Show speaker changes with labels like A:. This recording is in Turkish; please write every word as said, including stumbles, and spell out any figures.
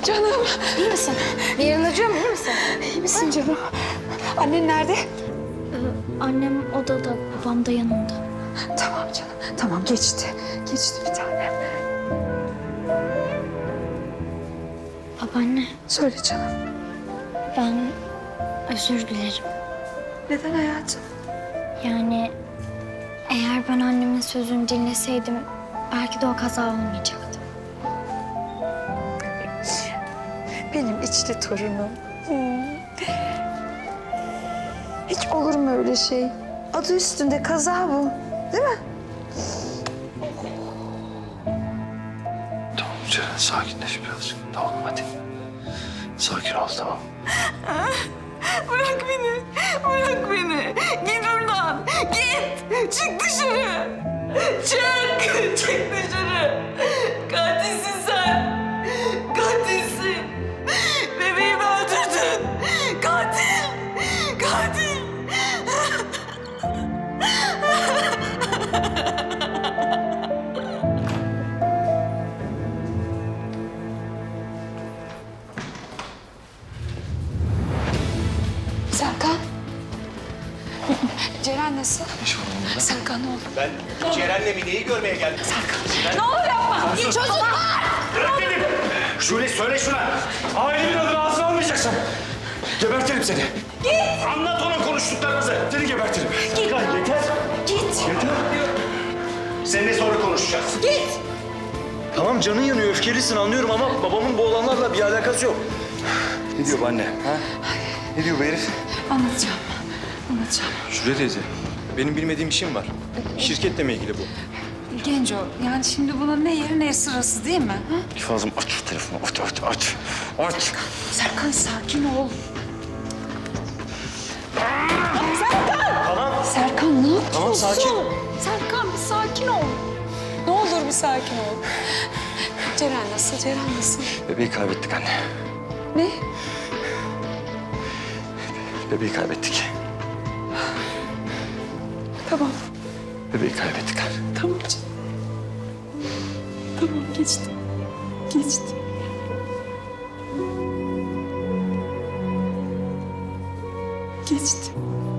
A: Canım.
B: İyi misin? Bir yerin acıyor mu? İyi misin?
A: İyi misin canım? Annen nerede?
B: Ee, annem odada, babam da yanında.
A: Tamam canım. Tamam geçti. Geçti bir tanem.
B: Babaanne,
A: Söyle canım.
B: ben özür dilerim.
A: Neden hayatım?
B: Yani eğer ben annemin sözünü dinleseydim belki de o kaza olmayacaktı.
A: Benim içli torunum. Hmm. Hiç olur mu öyle şey? Adı üstünde kaza bu. Değil mi?
C: Tamam Ceren, sakinleş birazcık. Tamam hadi. Sakin ol, tamam.
D: Bırak beni, bırak beni. Git buradan, git. Çık dışarı. Çık, çık dışarı. Katilsin sen. Katilsin. Bebeğimi öldürdün. Katil, katil.
A: Serkan. Ceren nasıl?
C: İş var onda.
A: Serkan ne oldu?
E: Ben Ceren'le Mine'yi görmeye geldim.
D: Ne olur yapma. Çocuklar.
E: Bırak dedim. Şule söyle şuna.
C: Ailemin adını ağzına almayacaksın. Gebertirim seni.
E: Git. Anlat ona konuştuklarımızı.
C: Seni gebertirim.
E: Git. Ya yeter.
D: Git.
C: Yeter.
E: Seninle sonra konuşacağız.
D: Git.
C: Tamam canın yanıyor, öfkelisin anlıyorum ama babamın bu olanlarla bir alakası yok. Ne diyor bu anne? Ha? Ne diyor bu herif?
A: Anlatacağım. Anlatacağım.
C: Şule teyze, benim bilmediğim işim var. Şirketle mi ilgili bu?
A: Genco, yani şimdi bunun ne yeri ne sırası değil mi? Ha?
C: Fazlım aç şu telefonu, aç aç aç. Aç.
A: Serkan sakin ol.
C: Tamam.
A: Serkan ne yapıyorsun?
C: Tamam, sakin.
A: Serkan bir sakin ol. Ne olur bir sakin ol. Ceren nasıl? Ceren nasıl?
C: Bebeği kaybettik anne.
A: Ne?
C: Bebeği kaybettik.
A: Tamam.
C: Bebeği kaybettik anne.
A: Tamam canım. Tamam geçti. Geçti. Geçti.